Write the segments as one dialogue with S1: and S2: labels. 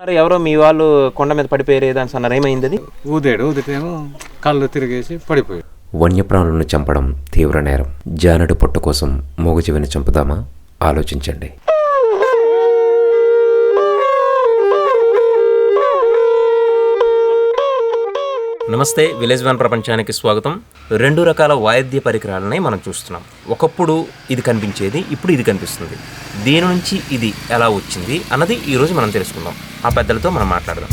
S1: ఎవరో మీ వాళ్ళు కొండ మీద పడిపోయారు ఏదని అన్నారు, ఏమైంది? అది
S2: ఊదేమో కళ్ళు తిరిగేసి పడిపోయాడు.
S3: వన్యప్రాణులను చంపడం తీవ్ర నేరం. జానడు పొట్ట కోసం మూగజీవిని చంపుదామా? ఆలోచించండి.
S1: నమస్తే, విలేజ్ వన్ ప్రపంచానికి స్వాగతం. 2 రకాల వాయిద్య పరికరాలని మనం చూస్తున్నాం. ఒకప్పుడు ఇది కనిపించేది, ఇప్పుడు ఇది కనిపిస్తుంది. దీని నుంచి ఇది ఎలా వచ్చింది అన్నది ఈరోజు మనం తెలుసుకుందాం. ఆ పెద్దలతో మనం మాట్లాడదాం.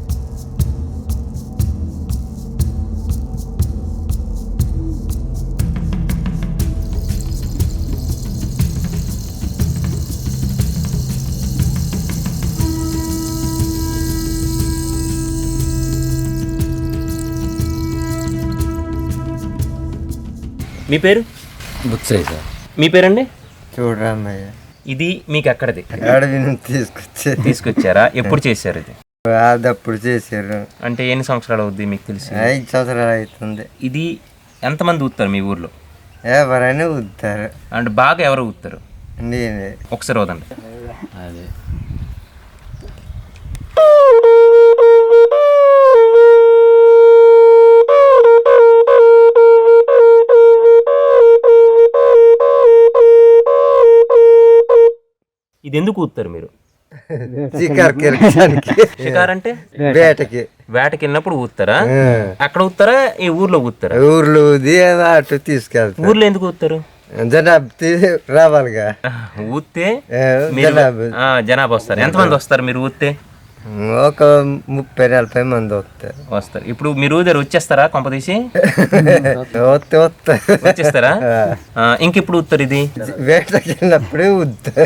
S1: మీ పేరు?
S2: బుచ్చయ్య సార్.
S1: మీ పేరండి?
S4: చూడరామయ్య.
S1: ఇది మీకు ఎక్కడిది?
S4: అడవి నుంచి
S1: తీసుకొచ్చారా? ఎప్పుడు చేశారు ఇది?
S4: అదప్పుడు చేశారు.
S1: అంటే ఎన్ని సంవత్సరాలు అవుద్ది మీకు తెలిసి?
S4: 5 సంవత్సరాలు అవుతుంది.
S1: ఇది ఎంతమంది ఊతారు మీ ఊర్లో?
S4: ఎవరైనా ఊతారు.
S1: అంటే బాగా ఎవరు ఊతారు?
S4: నేనే.
S1: ఒకసారి వదండి.
S2: అదే
S1: ఇది ఎందుకు ఊతారు మీరు? షికార్ అంటే వేటకి వెళ్ళినప్పుడు ఊతారా? అక్కడ ఊతారా, ఈ ఊర్లో ఊతారా?
S4: ఊర్లో ఊది అటు తీసుకెళ్తారు.
S1: ఊర్లో ఎందుకు ఊతారు?
S4: జనాభా రావాలిగా.
S1: ఊతే జనాభా వస్తారు. ఎంతమంది వస్తారు మీరు ఊతే?
S4: ఒక 30-40 మంది
S1: వస్తారు. ఇప్పుడు మీరు ఊదారు, వచ్చేస్తారా? కొంపదీసి వచ్చేస్తారా? ఇంక ఇప్పుడు ఊతారు ఇది?
S4: వేటకి వెళ్ళినప్పుడే ఊతారు.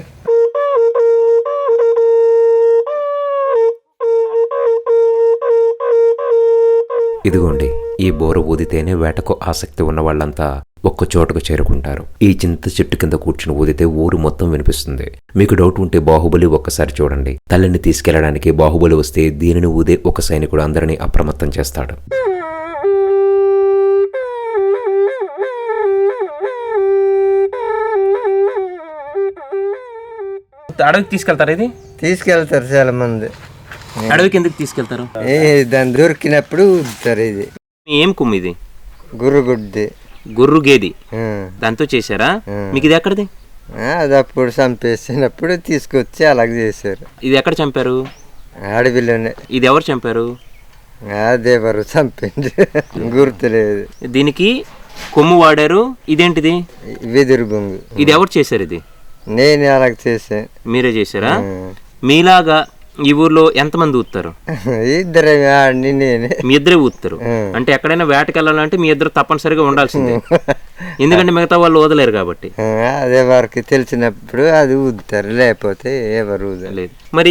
S3: ఇదిగోండి, ఈ బోర ఊదితేనే వేటకు ఆసక్తి ఉన్న వాళ్ళంతా ఒక్క చోటకు చేరుకుంటారు. ఈ చింత చెట్టు కింద కూర్చుని ఊదితే ఊరు మొత్తం వినిపిస్తుంది. మీకు డౌట్ ఉంటే బాహుబలి ఒక్కసారి చూడండి. తల్లిని తీసుకెళ్లడానికి బాహుబలి వస్తే దీనిని ఊదే ఒక సైనికుడు అందరినీ అప్రమత్తం చేస్తాడు.
S1: అడవికి తీసుకెళ్తారు? ఇది
S4: తీసుకెళ్తారు చాలా మంది.
S1: అడవికి ఎందుకు తీసుకెళ్తారు?
S4: దాన్ని దొరికినప్పుడు ఊదుతారు. ఇది
S1: ఏం కొమ్ము? ఇది
S4: గుర్రుగుడ్డి,
S1: గుర్రు గేది. దాంతో చేశారా? మీకు ఇది ఎక్కడిది?
S4: అది అప్పుడు చంపేసినప్పుడు తీసుకొచ్చి అలాగే చేశారు.
S1: ఇది ఎక్కడ చంపారు?
S4: అడవిలోనే.
S1: ఇది ఎవరు చంపారు?
S4: అదేవరు చంపింది, గుర్తులేదు.
S1: దీనికి కొమ్ము వాడారు. ఇదేంటిది?
S4: వెదురు బొంగు.
S1: ఇది ఎవరు చేశారు? ఇది
S4: నేనే అలాగ చేసా.
S1: మీరే చేశారా? మీలాగా ఈ ఊర్లో ఎంతమంది ఊతారు?
S4: ఇద్దరే, నేనే.
S1: మీ ఇద్దరే ఊతారు. అంటే ఎక్కడైనా వేటకి వెళ్ళాలంటే మీ ఇద్దరు తప్పనిసరిగా ఉండాల్సిందే, ఎందుకంటే మిగతా వాళ్ళు ఊదలేరు కాబట్టి.
S4: అదే వారికి తెలిసినప్పుడు అది ఊదుతారు, లేకపోతే ఎవరు ఊదలేదు.
S1: మరి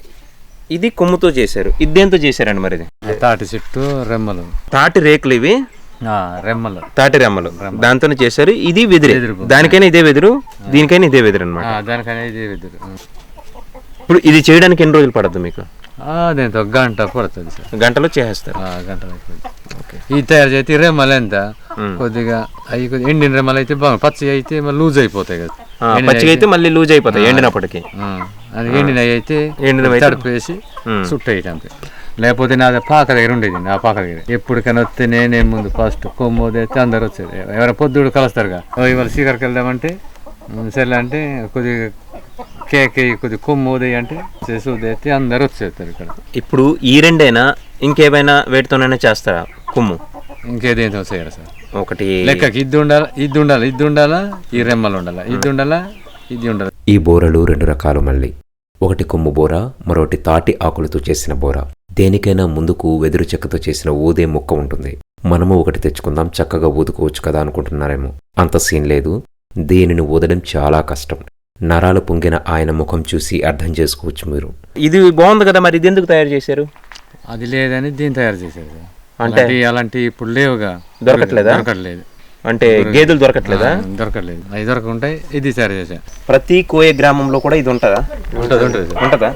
S1: ఇది కొమ్ముతో చేశారు, ఇదేంతో చేశారండి? మరి ఇది
S2: తాటి చెట్టు రెమ్మలు,
S1: తాటి రేకులు, ఇవి
S2: రెమ్మలు,
S1: తాటి రెమ్మలు, దాంతోనే చేశారు. ఇది వెదురు. దానికైనా ఇదే వెదురు, దీనికైనా ఇదే వెదురు అనమాట.
S2: దానికైనా ఇదే వెదురు.
S1: ఇప్పుడు ఇది చేయడానికి ఎన్ని రోజులు పడద్దు మీకు?
S2: అదేంత ఒక గంట పడుతుంది సార్.
S1: గంటలో చేసేస్తారు?
S2: గంటలో. ఇది తయారు చేస్తే రెమ్మలు ఎంత కొద్దిగా అవి కొద్దిగా ఎండిన రెమ్మలు అయితే బాగా, పచ్చి అయితే లూజ్ అయిపోతాయి కదా.
S1: పచ్చిగా అయితే మళ్ళీ లూజ్ అయిపోతాయి ఎండినప్పటికీ.
S2: ఎండినవి అయితే తడిపేసి చుట్టేయటం అంతే. లేకపోతే నాది పాక దగ్గర ఉండేది. ఆ పాక దగ్గర ఎప్పటికైనా వస్తే నేనే ముందు ఫస్ట్ కొమ్మోది అయితే అందరు వచ్చేది. ఎవరైనా పొద్దుడు కలుస్తారుగా, ఇవాళ సీకర్కి వెళ్దామంటే సరే అంటే కొద్దిగా కేక్ కొద్దిగా కొమ్ము ఉదయం అంటే చేసి ఉదయితే అందరు వచ్చేస్తారు ఇక్కడ.
S1: ఇప్పుడు ఈ రెండైనా ఇంకేమైనా వేటితోనైనా చేస్తారా కొమ్ము?
S2: ఇంకేదేంతో చేయరు సార్.
S1: ఒకటి
S2: లెక్కకి ఇది ఉండాలా, ఈ రెమ్మలు ఉండాలా, ఇది ఉండాలా, ఇది ఉండాలి.
S3: ఈ బోరలు 2 రకాలు మళ్ళీ. ఒకటి కొమ్ము బోర, మరొకటి తాటి ఆకులతో చేసిన బోర. దేనికైనా ముందుకు వెదురు చెక్కతో చేసిన ఊదే ముక్క ఉంటుంది. మనము ఒకటి తెచ్చుకుందాం, చక్కగా ఊదుకోవచ్చు కదా అనుకుంటున్నారేమో. అంత సీన్ లేదు. దీనిని ఊదడం చాలా కష్టం. నరాలు పొంగిన ఆయన ముఖం చూసి అర్థం చేసుకోవచ్చు మీరు.
S1: ఇది బాగుంది కదా, మరి ఇది ఎందుకు తయారు చేశారు?
S2: అది లేదని దీన్ని తయారు చేశారు.
S1: అంటే
S2: అలాంటి ఇప్పుడు లేవుగా, దొరకట్లేదు.
S1: అంటే గేదెలు దొరకట్లేదా?
S2: దొరకట్లేదు. అవి దొరకకుంటాయి, ఇది తయారు చేశారు.
S1: ప్రతి కోయ గ్రామంలో కూడా ఇది ఉంటుందా? ఉంటుందా?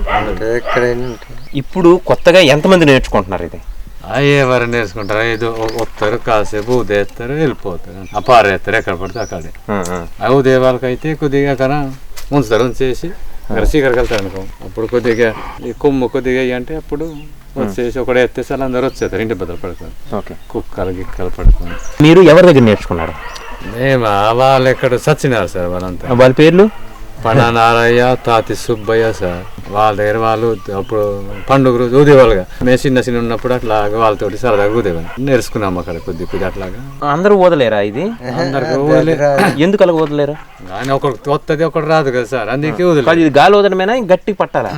S1: ఇప్పుడు కొత్తగా ఎంతమంది నేర్చుకుంటున్నారు ఇది?
S2: ఎవరు నేర్చుకుంటారు? ఏదో వస్తారు, కాసేపు ఉదేస్తారు, వెళ్ళిపోతారు, పారేస్తారు ఎక్కడ పడితే అక్కడే. ఉదయ వాళ్ళకైతే కొద్దిగా ఉంచుతారు, ఉంచేసి చీకరికి వెళ్తారు అనుకో, అప్పుడు కొద్దిగా ఈ కొమ్ము కొద్దిగా అంటే అప్పుడు వచ్చేసి ఒకడే ఎత్తేసి అందరూ వచ్చేస్తారు, ఇంటి బద్దలు పడుకొని.
S1: ఓకే.
S2: కుక్కలు గిక్కలు పడుకొని.
S1: మీరు ఎవరి దగ్గర నేర్చుకున్నారు?
S2: మేము వాళ్ళు ఎక్కడ చచ్చినారు సార్ వాళ్ళంతా.
S1: వాళ్ళ పేర్లు?
S2: పన్నా నారయ్య, తాతి సుబ్బయ్య సార్. వాళ్ళ దగ్గర వాళ్ళు అప్పుడు పండుగ రోజు ఊదేవాళ్ళుగా. మేము చిన్న ఉన్నప్పుడు అట్లాగా వాళ్ళతోటి సరదాగా ఊదేవాళ్ళు. నేర్చుకున్నాము అక్కడ కొద్ది అట్లాగా.
S1: అందరూ ఊదలేరా ఇది?
S2: అందరికి ఊదలే.
S1: ఎందుకు అలా ఊదలేరా?
S2: కానీ ఒకటి వస్తుంది ఒకటి రాదు కదా సార్, అందుకే ఊదలేదు.
S1: ఇది గాలి ఊదడమేనా, గట్టి పట్టాలా?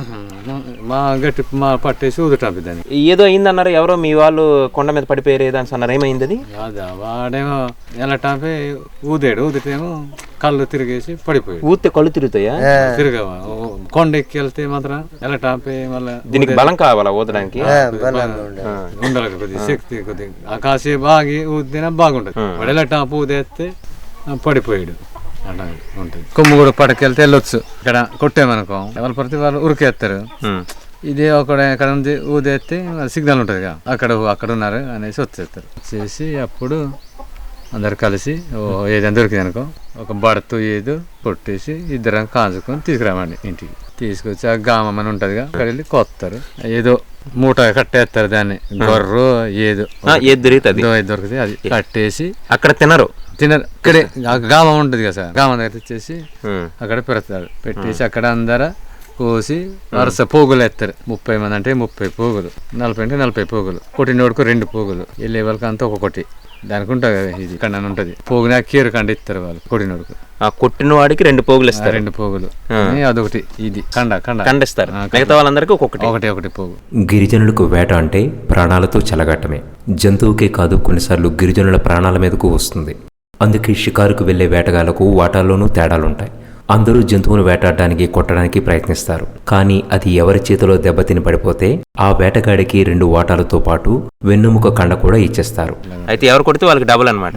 S2: మా పట్టేసి ఊదటం దాన్ని.
S1: ఏదో అయిందన్నారు, ఎవరో మీ వాళ్ళు కొండ మీద పడిపోయారు దాని అన్నారు, ఏమైంది అది?
S2: అదా వాడేమో వెళ్ళటాపే ఊదితేమో కళ్ళు తిరిగేసి పడిపోయాడు.
S1: ఊతే కళ్ళు తిరుగుతాయా?
S2: తిరగవా కొండ ఎక్కి వెళ్తే మాత్రం వెళ్ళటాపే మళ్ళీ.
S1: దీనికి బలం కావాలా ఊదడానికి?
S2: ఉండాలి కొద్దిగా శక్తి, కొద్దిగా కాసేపు బాగి ఊదినా బాగుంటది. వాడు వెళ్ళటాపు ఊదేస్తే పడిపోయాడు. అలా ఉంటుంది. కొమ్ము కూడా పడకెళ్తే వెళ్ళొచ్చు. ఇక్కడ కొట్టేమనుకో ఎవరు పడితే వాళ్ళు ఉరికేస్తారు. ఇది ఎక్కడ ఉంది ఊదేస్తే సిగ్నల్ ఉంటుంది కదా, అక్కడ ఉన్నారు అనేసి వచ్చేస్తారు. వచ్చేసి అప్పుడు అందరు కలిసి ఏదైనా దొరికింది అనుకో ఒక బడతు ఏదో కొట్టేసి ఇద్దరం కాంచుకొని తీసుకురామండి ఇంటికి. తీసుకొచ్చి ఆ గామం అని ఉంటదిగా, అక్కడ వెళ్ళి కొత్తారు. ఏదో మూట కట్టేస్తారు దాన్ని, గొర్రె ఏదో దొరుకుతుంది అది కట్టేసి అక్కడ తినరు. ఇక్కడే గామం ఉంటుంది కదా సార్, గామం దగ్గర తెచ్చేసి అక్కడ పెడతారు. పెట్టేసి అక్కడ అందరూ కోసి వరుస పోగులు ఎత్తారు. 30 మంది అంటే 30 పోగులు, 40 అంటే 40 పోగులు, కొట్టినోడుకు 2 పోగులు, వెళ్ళే వాళ్ళకి అంతా ఒక్కొక్కటి. దానికి ఉంటుంది కదా ఇది కండ ఉంటుంది, పోగుని కీరు కండ ఇస్తారు వాళ్ళు కొట్టినోడుకు.
S1: ఆ కొట్టిన వాడికి 2 పోగులు ఇస్తారు.
S2: 2 పోగులు అదొకటి, ఇది
S1: కండిస్తారు. మిగతా వాళ్ళందరికీ
S2: ఒకటి పోగు.
S3: గిరిజనులకు వేట అంటే ప్రాణాలతో చెలగట్టమే. జంతువుకే కాదు, కొన్నిసార్లు గిరిజనుల ప్రాణాల మీదకు వస్తుంది. అందుకే షికారుకు వెళ్లే వేటగాళ్లకు వాటాల్లోనూ తేడాలుంటాయి. అందరూ జంతువును వేటాడడానికి కొట్టడానికి ప్రయత్నిస్తారు. కానీ అది ఎవరి చేతిలో దెబ్బతిని పడిపోతే ఆ వేటగాడికి 2 వాటాలతో పాటు వెన్నుముక కండ కూడా ఇచ్చేస్తారు.
S1: అయితే ఎవరు కొడితే వాళ్ళకి డబుల్ అనమాట.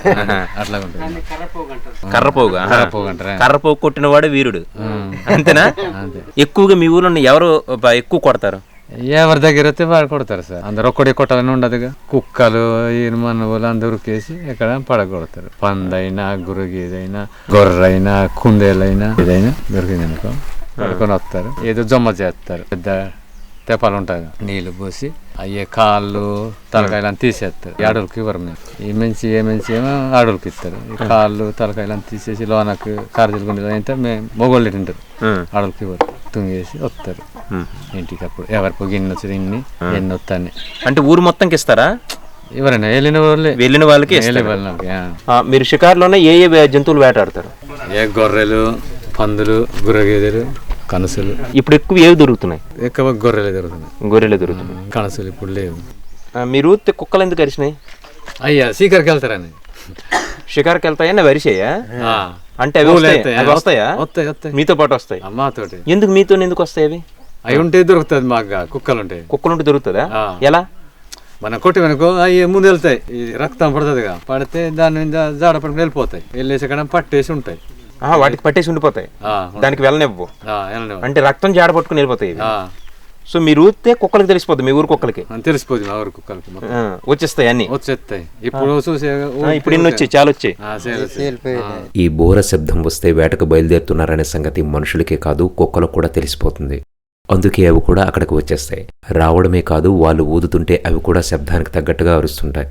S1: కర్రపోగు కొట్టిన వాడు వీరుడు, అంతేనా? ఎక్కువగా మీ ఊర్లో ఎవరు ఎక్కువ కొడతారు?
S2: ఎవరి దగ్గర అయితే వాడు కొడతారు సార్. అందరు ఒక్కడే కొట్టాలని ఉండదుగా. కుక్కలు మనవులు అందరూ కేసి ఎక్కడ పడగొడతారు. పందైనా గురుగేదైనా గొర్రైనా కుందేలైనా ఏదైనా దొరికింది అనుకో పడుకొని వస్తారు. ఏదో జొమ్మ చేస్తారు, పెద్ద తెపాలు ఉంటాయి, నీళ్లు పోసి అయ్యే కాళ్ళు తలకాయలు తీసేస్తారు. అడవులకి ఇవ్వరు. మేము ఏ మంచి ఏమో అడవులకి ఇస్తారు. కాళ్ళు తలకాయలు తీసేసి లోనకు కార్జీలు గుండెలు అయితే మేము మొగోళ్ళు తింటారు, అడవులకి ఇవ్వరు. తుంగేసి వస్తారు ఇంటికి. అప్పుడు ఎవరికి గిన్నె వచ్చి ఎన్ని వస్తాయి
S1: అంటే ఊరు మొత్తంకి ఇస్తారా?
S2: ఎవరైనా వెళ్ళిన వాళ్ళకి.
S1: మీరు షికారులోనే ఏ జంతువులు వేటాడతారు?
S2: గొర్రెలు, పందులు, గుర్రగేదెలు, కనసులు.
S1: ఇప్పుడు ఎక్కువ ఏవి దొరుకుతున్నాయి?
S2: ఎక్కువ గొర్రెలు దొరుకుతున్నాయి. కనసులు ఇప్పుడు లేవు.
S1: మీరు కుక్కలు ఎందుకు అరిచినాయి?
S2: అయ్యా షికారుకి వెళ్తారని.
S1: షికారుకి వెళ్తాయా? వరిసేయా? అంటే అవి వస్తాయా? మీతో పాటు వస్తాయి?
S2: మాతోటి.
S1: ఎందుకు మీతో ఎందుకు వస్తాయి అవి?
S2: అవి ఉంటే దొరుకుతుంది మాకు. కుక్కలుంటే
S1: దొరుకుతుందా? ఎలా?
S2: మనం కొట్టివనుకో అవి ముందు వెళ్తాయి, రక్తం పడుతుందిగా, పడితే దాని మీద జాడ పడుకుని వెళ్ళిపోతాయి. వెళ్ళేసి అక్కడ పట్టేసి ఉంటాయి.
S1: వాటికి పట్టేసి ఉండిపోతాయి, దానికి వెళ్ళనివ్వు. అంటే రక్తం జాడ పట్టుకుని వెళ్ళిపోతాయి. సో మీరు ఊతే కుక్కలకి తెలిసిపోతుంది, మీ ఊరు కుక్కలకి
S2: తెలిసిపోతుంది. మా ఊరు కుక్కలకి
S1: వచ్చేస్తాయి, అన్ని
S2: వచ్చేస్తాయి. ఇప్పుడు చూసే
S1: ఇప్పుడు ఇన్ని వచ్చాయి, చాలా వచ్చాయి.
S3: ఈ బోర శబ్దం వస్తే వేటకు బయలుదేరుతున్నారనే సంగతి మనుషులకే కాదు కుక్కలకు కూడా తెలిసిపోతుంది. అందుకే అవి కూడా అక్కడికి వచ్చేస్తాయి. రావడమే కాదు, వాళ్ళు ఊదుతుంటే అవి కూడా శబ్దానికి తగ్గట్టుగా అరుస్తుంటాయి.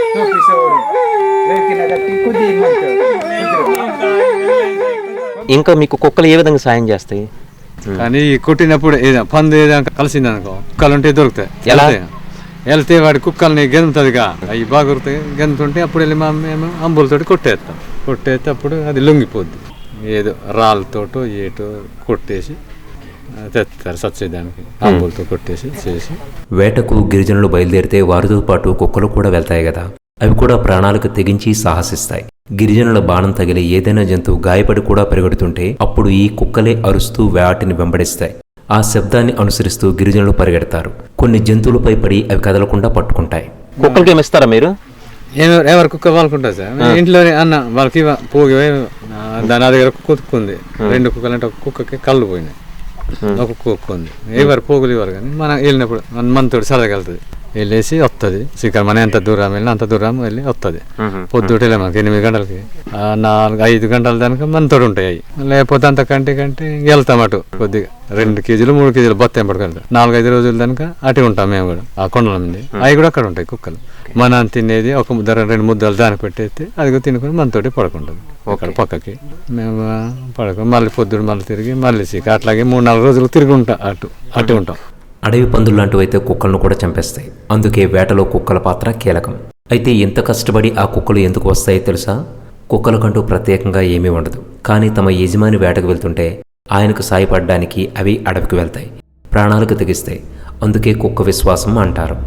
S1: ఇంకా మీకు కుక్కలు ఏ విధంగా సాయం చేస్తాయి?
S2: కానీ కొట్టినప్పుడు పందు ఏదైనా కలిసింది అనుకో కుక్కలు ఉంటే దొరుకుతాయి. ఎలా వెళ్తే వాడి కుక్కల్ని గెంతుతుందిగా, అవి బాగా దొరుకుతాయి. గెంతుంటే అప్పుడు వెళ్ళి మేము అంబులతోటి కొట్టేస్తే అప్పుడు అది లొంగిపోద్ది. ఏదో రాళ్ళతోటో ఏటో కొట్టేసి తెస్తారు సచ్చేదానికి, అంబులతో కొట్టేసి చేసి.
S3: వేటకు గిరిజనులు బయలుదేరితే వారితో పాటు కుక్కలు కూడా వెళ్తాయి కదా, అవి కూడా ప్రాణాలకు తెగించి సాహసిస్తాయి. గిరిజనుల బాణం తగిలి ఏదైనా జంతువు గాయపడి కూడా పరిగెడుతుంటే అప్పుడు ఈ కుక్కలే అరుస్తూ వాటిని వెంబడిస్తాయి. ఆ శబ్దాన్ని అనుసరిస్తూ గిరిజనులు పరిగెడతారు. కొన్ని జంతువులపై పడి అవి కదలకుండా పట్టుకుంటాయి.
S1: కుక్కలకి ఏమిస్తారా మీరు?
S2: ఎవరి కుక్క వాళ్ళకుంటుంది సార్. ఇంట్లోనే అన్న వాళ్ళకి పోగి దాని దగ్గర కుక్కుంది. 2 కుక్కలు అంటే ఒక కుక్కకి కళ్ళు పోయినాయి, ఒక కుక్క ఉంది. ఎవరు పోగులు ఇవ్వరు. కానీ మనం వెళ్ళినప్పుడు మనతోటి సరదాగా వెళ్తుంది. వెళ్ళేసి వస్తుంది శిఖర్ మనం ఎంత దూరం వెళ్ళినా అంత దూరం వెళ్ళి వస్తుంది. పొద్దుటే మనకి 8 గంటలకి 4-5 గంటల దానికి మనతోడు ఉంటాయి అవి. లేకపోతే అంతకంటే వెళ్తాం అటు కొద్దిగా 2 కేజీలు 3 కేజీలు బొత్తం పడుకుంటాం. 4-5 రోజుల దానిక అటు ఉంటాం మేము కూడా ఆ కొండల నుండి. అవి కూడా అక్కడ ఉంటాయి కుక్కలు. మనం తినేది ఒక ముద్ద 2 ముద్దలు దానికి పెట్టేస్తే అది తినుకొని మనతోటి పడుకుంటుంది అక్కడ పక్కకి. మేము పడుకొని మళ్ళీ పొద్దుడు మళ్ళీ తిరిగి మళ్ళీ శిఖర్ అట్లాగే 3-4 రోజులు తిరిగి ఉంటాం అటు ఉంటాం.
S3: అడవి పందులు లాంటివైతే కుక్కలను కూడా చంపేస్తాయి. అందుకే వేటలో కుక్కల పాత్ర కీలకం. అయితే ఎంత కష్టపడి ఆ కుక్కలు ఎందుకు వస్తాయో తెలుసా? కుక్కలకంటూ ప్రత్యేకంగా ఏమీ ఉండదు. కానీ తమ యజమాని వేటకు వెళ్తుంటే ఆయనకు సాయపడడానికి అవి అడవికి వెళ్తాయి, ప్రాణాలకు తెగిస్తాయి. అందుకే కుక్క విశ్వాసం అంటారు.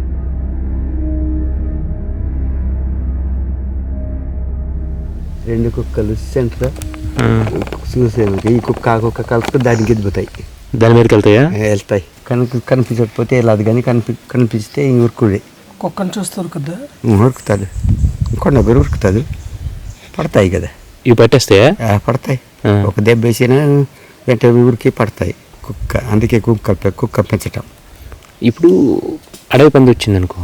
S5: రెండు కుక్కలు సెంటర్ చూసాను. ఈ కుక్క ఆ కుక్క కలిపి దానికి ఎదిపోతాయి.
S1: దాని మీదకి
S5: వెళ్తాయి. కనిపించకపోతే వెళ్ళదు, కానీ కనిపిస్తే ఇంక ఉరుకుడే.
S6: కుక్కను చూస్తే ఉరుకుద్దా?
S5: ఉరుకుతుంది, కొండ ఉరుకుతుంది. పడతాయి కదా,
S1: ఇవి పట్టేస్తాయా?
S5: పడతాయి. ఒక దెబ్బ వేసినా వెంట ఊరికి పడతాయి కుక్క. అందుకే కుక్క పెంచటం.
S1: ఇప్పుడు అడవి పంది వచ్చింది అనుకో,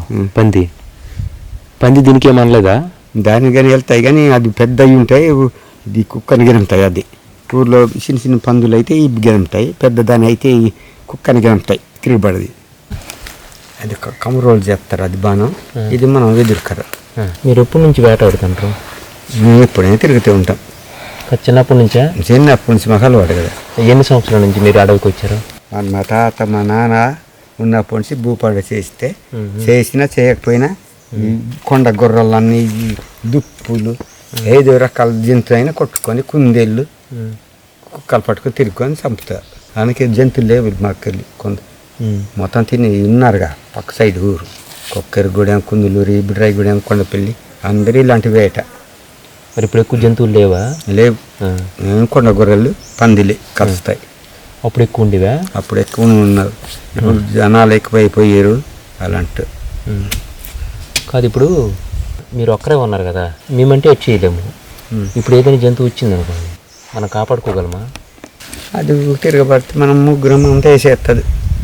S1: పంది దీనికి ఏమనలేదా?
S5: దానికి కానీ వెళ్తాయి, కానీ అది పెద్దవి ఉంటాయి. ఇది కుక్కని గెలుతాయి. అది ఊర్లో చిన్న పందులు అయితే ఇవి గెలుతాయి, పెద్ద దాని అయితే ఈ కుక్కని గెలుతాయి. తిరిగిపడది. అది కమరోలు చేస్తారు. అది బాణం, ఇది మనం ఎదుర్కరు.
S1: మీరు ఎప్పటి నుంచి వేటాడుతుంటారు?
S5: మేము ఎప్పుడైనా తిరుగుతూ ఉంటాం.
S1: చిన్నప్పటి నుంచా?
S5: చిన్నప్పటి నుంచి మాకు అలవాటు కదా.
S1: ఎన్ని సంవత్సరాల నుంచి మీరు అడవికి వచ్చారు?
S5: మా తాత మా నాన్న ఉన్నప్పటి నుంచి భూపాడు చేసినా చేయకపోయినా ఈ కొండ గొర్రెలన్నీ, దుప్పులు, 5 రకాల జంతువులు అయినా కొట్టుకొని కుందేళ్ళు కుక్కలు పట్టుకొని తిరుగుకొని చంపుతారు. అందుకే జంతువులు లేవు మాకెళ్ళి. కొంత మొత్తం తిని ఉన్నారుగా పక్క సైడ్ ఊరు. కొక్కరిగూడెం, కుందులూరు, బిడ్రాయిగూడెం, కొండపల్లి అందరూ ఇలాంటి వేట.
S1: మరి ఇప్పుడు ఎక్కువ జంతువులు లేవా?
S5: లేవు. కొండ గొర్రెలు, పందిలే కలుస్తాయి.
S1: అప్పుడు ఎక్కువ ఉండేవా?
S5: అప్పుడు ఎక్కువ ఉన్నారు. ఇప్పుడు జనాలు ఎక్కువైపోయారు. అలాంటి
S1: కాదు, ఇప్పుడు మీరు ఒక్కరే ఉన్నారు కదా, మేమంటే వచ్చి చేయలేము. ఇప్పుడు ఏదైనా జంతువు వచ్చింది అనుకోండి, మనం కాపాడుకోగలమా?
S5: అది తిరగబడితే మనం ముగ్గురం అంతా వేసేస్తుంది.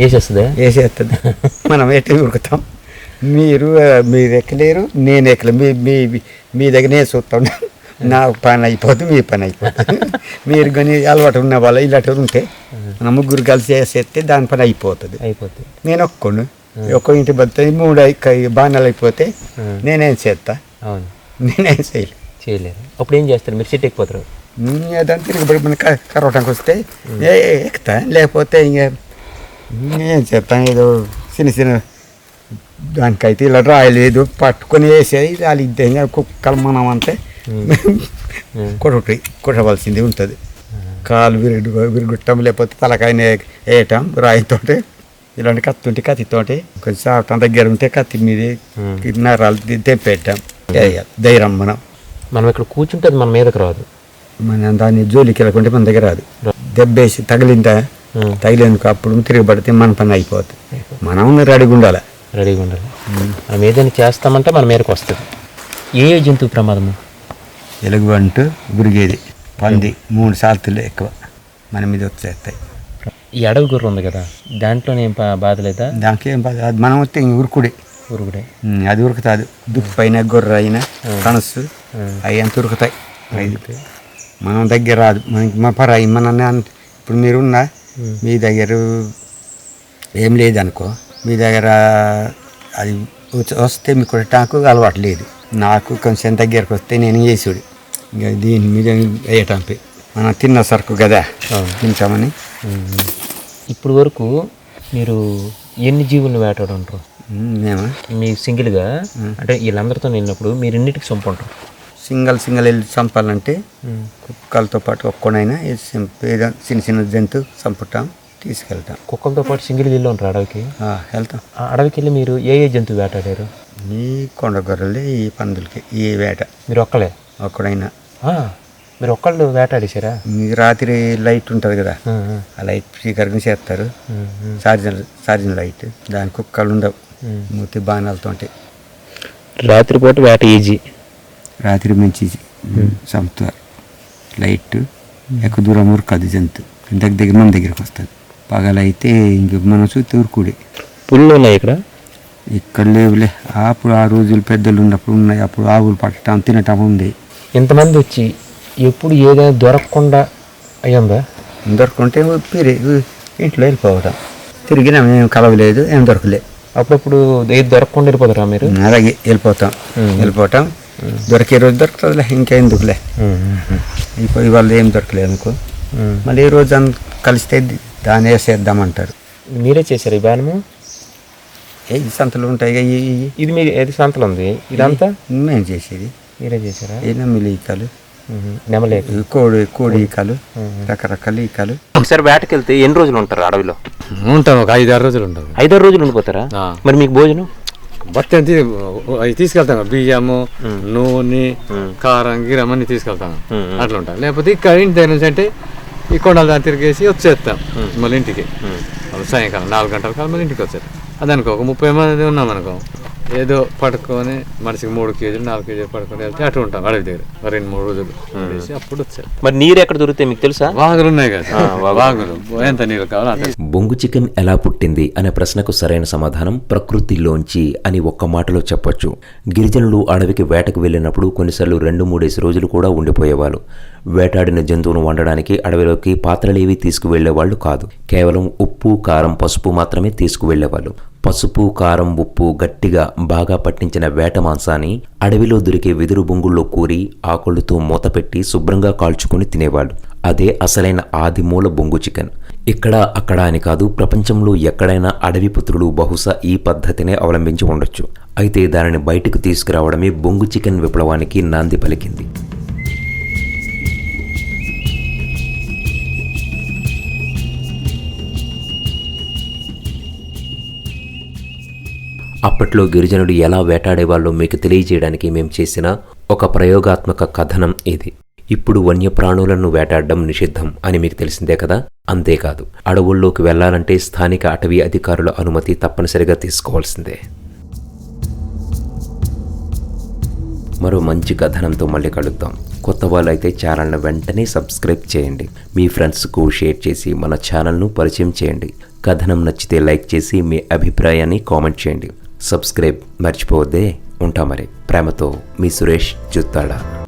S5: మనం ఎట్లా ఉరుకుతాం. మీరు ఎక్కలేరు, నేను ఎక్కలేరు. మీ దగ్గర నేను చూస్తాను. నా పని అయిపోతుంది, మీ పని అయిపోతుంది. మీరు కానీ అలవాటు ఉన్న వాళ్ళు ఇలాంటి ఉంటే మన ముగ్గురు కలిసి వేసేస్తే దాని పని అయిపోతుంది. నేను ఒక్కోను ఒక్క ఇంటి బతుకుతుంది. 3 బాణాలు అయిపోతే నేనేం చేస్తా? నేనేం చేయలేరు.
S1: అప్పుడు ఏం చేస్తారు? మీరు సెట్ ఎక్కిపోతారు.
S5: దాన్ని తిరిగిపడి మన కరవటానికి వస్తే ఎక్కుతా. లేకపోతే ఇంకా ఏం చేస్తాను, ఏదో చిన్న దానికైతే ఇలా రాయలేదు పట్టుకొని వేసేది. వాళ్ళు ఇద్దే కుక్కలు మనం అంటే కొట్టవలసింది ఉంటుంది. కాలు విరుగుట్టం, లేకపోతే తలకాయని వేయటం రాయితోటి. ఇలాంటి కత్తితోటి కొంచెం సాఫ్ట్ దగ్గర ఉంటే కత్తి మీద నరాలు తెంపేయటం. ధైర్యం మనం
S1: ఇక్కడ కూర్చుంటే మన మీదకి రాదు.
S5: మన దాన్ని జోలికి వెళ్ళకుంటే మన దగ్గర రాదు. దెబ్బేసి తగిలేందుకు అప్పుడు తిరగబడితే మన పని అయిపోతుంది. మనం రెడీగా ఉండాలి.
S1: మనం ఏదైనా చేస్తామంటే మన మీదకి వస్తుంది. ఏ జంతువు ప్రమాదము?
S5: ఎలుగుబంటు, గురిగేది, పంది 3 సార్లు ఎక్కువ మన మీద వచ్చేస్తాయి.
S1: ఈ అడవి గుర్ర ఉంది కదా, దాంట్లో ఏం బాధ లేదా?
S5: దానికి ఏం బాధ? అది మనం వస్తే ఇంక ఉరుకుడే. అది ఉరుకుతుంది. దుప్పైన గొర్రె అయినా కనసు అవి అంత ఉరుకుతాయి. మనం దగ్గర రాదు. మనకి మా పరాయి మన ఇప్పుడు మీరున్నా మీ దగ్గర ఏం లేదనుకో, మీ దగ్గర అది వస్తే మీకు నాకు అలవాటు లేదు. నాకు కొంచెం దగ్గరకు వస్తే నేను వేసుడు. ఇంకా దీని మీద వేయటంపి మనం తిన్న సరుకు కదా తింటామని.
S1: ఇప్పుడు వరకు మీరు ఎన్ని జీవులను వేటాడుంటారు?
S5: మేము
S1: మీ సింగిల్గా అంటే వీళ్ళందరితో వెళ్ళినప్పుడు మీరు ఎన్నిటికి చంపుంటారు?
S5: సింగల్ వెళ్ళి చంపాలంటే కుక్కలతో పాటు ఒక్కనైనా చిన్న జంతువు చంపుతాం, తీసుకెళ్తాం.
S1: కుక్కలతో పాటు సింగిల్ వెళ్ళి ఉంటారు అడవికి?
S5: వెళ్తాం.
S1: అడవికి వెళ్ళి మీరు ఏ జంతువు వేటాడారు?
S5: ఈ కొండ గొర్రెలు, ఈ పందులకి ఈ వేట.
S1: మీరు
S5: ఒక్కడైనా
S1: మీరు ఒక్కళ్ళు వేటాడేశారా?
S5: మీకు రాత్రి లైట్ ఉంటుంది కదా, ఆ లైట్ స్పీకర్గా చేస్తారు. ఛార్జింగ్ లైట్, దాని కుక్కలు ఉండవు. మూతి బాణాలతో
S1: రాత్రిపూట వేట ఈజీ.
S5: రాత్రి మంచి చంపుతారు. లైట్ ఎక్కువ దూరం ఉరకదు జంతువు. దగ్గర మన దగ్గరికి వస్తుంది. పగలైతే ఇంక మనం చూస్తే ఉరుకుడే.
S1: పుల్లు ఉన్నాయి ఇక్కడ.
S5: ఇక్కడ లేవులే అప్పుడు ఆ రోజులు పెద్దలు ఉన్నప్పుడు ఉన్నాయి, అప్పుడు ఆవులు పట్టడం తినటం ఉంది.
S1: ఇంతమంది వచ్చి ఎప్పుడు ఏదైనా దొరకకుండా అయ్యిందా?
S5: దొరకుంటే ఇంట్లో వెళ్ళిపోవటం, తిరిగినా ఏం కలవలేదు, ఏం దొరకలే.
S1: అప్పుడప్పుడు ఏది దొరకకుండా వెళ్ళిపోతారా మీరు?
S5: అలాగే వెళ్ళిపోవటం దొరికే రోజు దొరుకుతుందిలే, ఇంకెందుకులే. ఇవాళ ఏం దొరకలేదు అనుకో, మళ్ళీ ఈ రోజు కలిస్తే దాన్ని వేసేద్దామంటారు.
S1: మీరే చేశారు ఈ బాణము?
S5: ఏ సంతలు ఉంటాయి
S1: ఇది మీ ఏది సంతలు ఉంది ఇదంతా?
S5: మేము చేసేది
S1: మీరే చేశారా?
S5: ఏ నమ్మిలి ఈకలు,
S1: నెమలేక
S5: కోడి ఈకలు, రకరకాల ఈకలు.
S1: ఒకసారి వేటకి వెళ్తే ఎన్ని రోజులు ఉంటారు అడవిలో?
S2: ఉంటాం, ఒక 5-6 రోజులు ఉంటాం.
S1: 5-6 రోజులు ఉండిపోతారా? మరి మీకు భోజనం
S2: బత్తి అవి తీసుకెళ్తాం, బియ్యము, నూనె, కారం, గిరం అన్ని తీసుకెళ్తాం. అట్లా ఉంటాం. లేకపోతే ఇక్కడ ఇంటి దగ్గర నుంచి అంటే ఈ కొండలు దాన్ని తిరిగేసి వచ్చేస్తాం మళ్ళీ ఇంటికి. సాయంకాలం 4 గంటల కాలం మళ్ళీ ఇంటికి వచ్చేస్తాం. అదనుకో ఒక 30 మంది ఉన్నాం అనుకో, ఏదో పడుకొని మనిషికి 3 కేజీలు 4 కేజీలు పడుకొని వెళ్తే అటు ఉంటాం అడవి దగ్గర 2-3 రోజులు ఉండేసి అప్పుడు వచ్చారు.
S1: మరి నీరు ఎక్కడ దొరుకుతాయి మీకు తెలుసా?
S2: వాగులు ఉన్నాయి కదా, వాగులు ఎంత నీరు కావాలో అంత.
S3: బొంగు చికెన్ ఎలా పుట్టింది అనే ప్రశ్నకు సరైన సమాధానం ప్రకృతిలోంచి అని ఒక్క మాటలో చెప్పొచ్చు. గిరిజనులు అడవికి వేటకు వెళ్ళినప్పుడు కొన్నిసార్లు 2-3 రోజులు కూడా ఉండిపోయేవాళ్ళు. వేటాడిన జంతువును వండడానికి అడవిలోకి పాత్రలేవి తీసుకువెళ్లేవాళ్లు కాదు. కేవలం ఉప్పు, కారం, పసుపు మాత్రమే తీసుకువెళ్లేవాళ్ళు. పసుపు, కారం, ఉప్పు గట్టిగా బాగా పట్టించిన వేట మాంసాన్ని అడవిలో దొరికే వెదురు బొంగుల్లో కూరి ఆకులతో మూతపెట్టి శుభ్రంగా కాల్చుకుని తినేవాళ్ళు. అదే అసలైన ఆదిమూల బొంగు చికెన్. ఇక్కడ అక్కడ అని కాదు, ప్రపంచంలో ఎక్కడైనా అడవి పుత్రులు బహుశా ఈ పద్ధతినే అవలంబించి ఉండొచ్చు. అయితే దానిని బయటకు తీసుకురావడమే బొంగు చికెన్ విప్లవానికి నాంది పలికింది. అప్పట్లో గిరిజనుడు ఎలా వేటాడేవాళ్ళో మీకు తెలియజేయడానికి మేము చేసిన ఒక ప్రయోగాత్మక కథనం ఇది. ఇప్పుడు వన్యప్రాణులను వేటాడడం నిషిద్ధం అని మీకు తెలిసిందే కదా. అంతేకాదు, అడవుల్లోకి వెళ్లాలంటే స్థానిక అటవీ అధికారుల అనుమతి తప్పనిసరిగా తీసుకోవాల్సిందే. మరో మంచి కథనంతో మళ్ళీ కలుద్దాం. కొత్త వాళ్ళైతే ఛానల్ను వెంటనే సబ్స్క్రైబ్ చేయండి. మీ ఫ్రెండ్స్కు షేర్ చేసి మన ఛానల్ను పరిచయం చేయండి. కథనం నచ్చితే లైక్ చేసి మీ అభిప్రాయాన్ని కామెంట్ చేయండి. సబ్స్క్రైబ్ మర్చిపోవద్దే. ఉంటా మరి. ప్రేమతో మీ సురేష్ జుత్తాడ.